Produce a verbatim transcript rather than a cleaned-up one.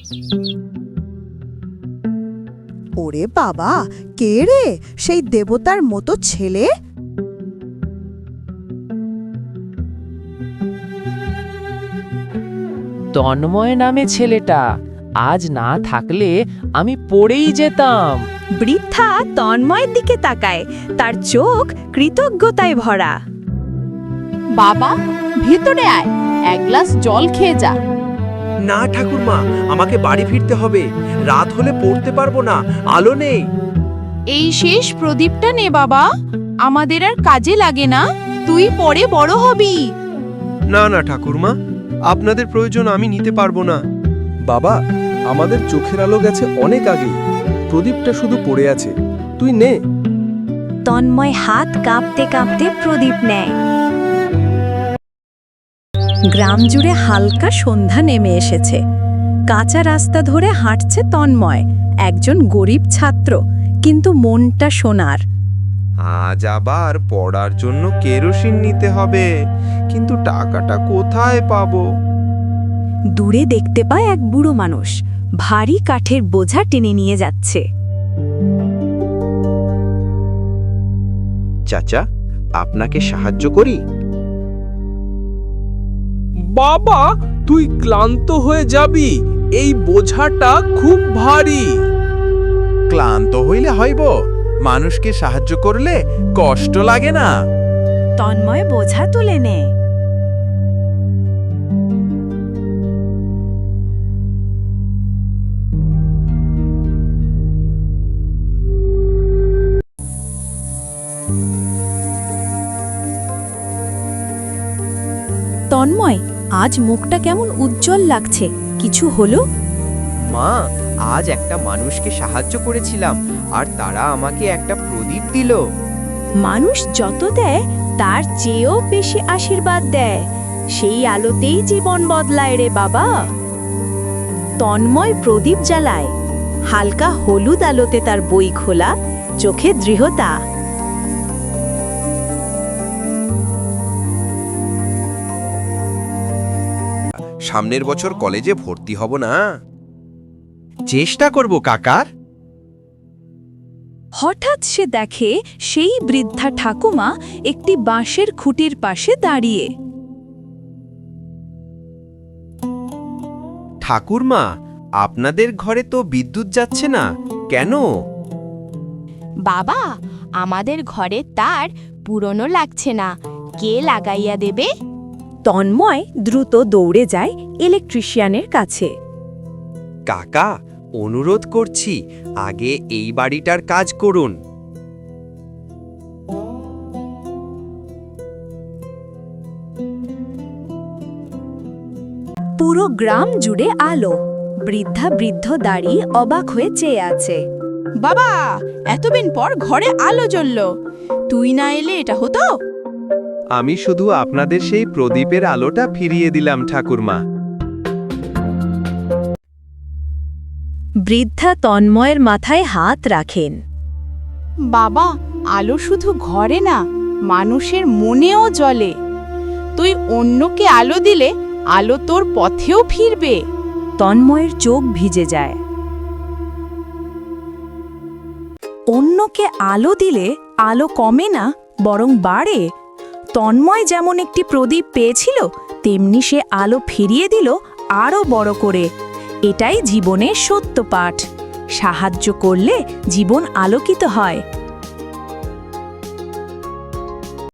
ওরে বাবা, কে রে সেই দেবতার মতো ছেলে? তন্ময় নামে ছেলেটা, আজ না থাকলে আমি পড়েই যেতাম। বৃদ্ধা তন্ময়ের দিকে তাকায়, তার চোখ কৃতজ্ঞতায় ভরা। বাবা, ভিতরে আয়, এক গ্লাস জল খেয়ে যা। না ঠাকুরমা, আমাকে বাড়ি ফিরতে হবে, রাত হলে পড়তে পারবো না, আলো নেই। এই শেষ প্রদীপটা নে বাবা, আমাদের আর কাজে লাগে না, তুই পরে বড় হবি। না না ঠাকুরমা, আপনাদের প্রয়োজন আমি নিতে পারবো না। বাবা, আমাদের চোখের আলো গেছে অনেক আগেই, প্রদীপটা শুধু পড়ে আছে, তুই নে। তন্ময় হাত কাঁপতে কাঁপতে প্রদীপ নেয়। গ্রাম জুড়ে হালকা সন্ধ্যা নেমে এসেছে। কাঁচা রাস্তা ধরে হাঁটছে তন্ময়, একজন গরিব ছাত্র, কিন্তু মনটা সোনার। আজ আবার পড়ার জন্য কেরোসিন নিতে হবে, কিন্তু টাকাটা কোথায় পাবো? দূরে দেখতে পায় এক বুড়ো মানুষ ভারী কাঠের বোঝা টেনে নিয়ে যাচ্ছে। চাচা, আপনাকে সাহায্য করি? বাবা, তুই ক্লান্ত হয়ে যাবি, এই বোঝাটা খুব ভারী। ক্লান্ত হইলে হইব, মানুষকে সাহায্য করলে কষ্ট লাগে না। তন্ময় বোঝা তুলে নেয়। তন্ময়, আজ মুখটা কেমন উজ্জ্বল লাগছে, কিছু হলো? মা, আজ একটা মানুষকে সাহায্য করেছিলাম, আর তারা আমাকে একটা প্রদীপ দিল। মানুষ যত দেয় তার চেয়েও বেশি আশীর্বাদ দেয়, সেই আলোতেই জীবন বদলায় রে বাবা। তন্ময় প্রদীপ জ্বালায়, হালকা হলুদ আলোতে তার বই খোলা, চোখে দৃঢ়তা। সামনের বছর কলেজে ভর্তি হব না? চেষ্টা করব কাকার। হঠাৎ সে দেখে সেই বৃদ্ধা ঠাকুমা একটি বাঁশের খুঁটির পাশে দাঁড়িয়ে। ঠাকুরমা, আপনাদের ঘরে তো বিদ্যুৎ যাচ্ছে না কেন? বাবা, আমাদের ঘরে তার পুরনো লাগছে না, কে লাগাইয়া দেবে? তন্ময় দ্রুত দৌড়ে যায় ইলেকট্রিশিয়ানের কাছে। কাকা, অনুরোধ করছি, আগে এই বাড়িটার কাজ করুন। পুরো গ্রাম জুড়ে আলো, বৃদ্ধা বৃদ্ধ দাঁড়িয়ে অবাক হয়ে চেয়ে আছে। বাবা, এতদিন পর ঘরে আলো জ্বলল, তুই না এলে এটা হতো? আমি শুধু আপনাদের সেই প্রদীপের আলোটা ফিরিয়ে দিলাম ঠাকুরমা। বৃদ্ধা তন্ময়ের মাথায় হাত রাখেন। বাবা, আলো শুধু ঘরে না, মানুষের মনেও জ্বলে। তুই অন্যকে আলো দিলে আলো তোর পথেও ফিরবে। তন্ময়ের চোখ ভিজে যায়। অন্যকে আলো দিলে আলো কমে না, বরং বাড়ে। তন্ময় যেমন একটি প্রদীপ পেয়েছিল, তেমনি সে আলো ফিরিয়ে দিল আরও বড় করে। এটাই জীবনের সত্য পাঠ। সাহায্য করলে জীবন আলোকিত হয়।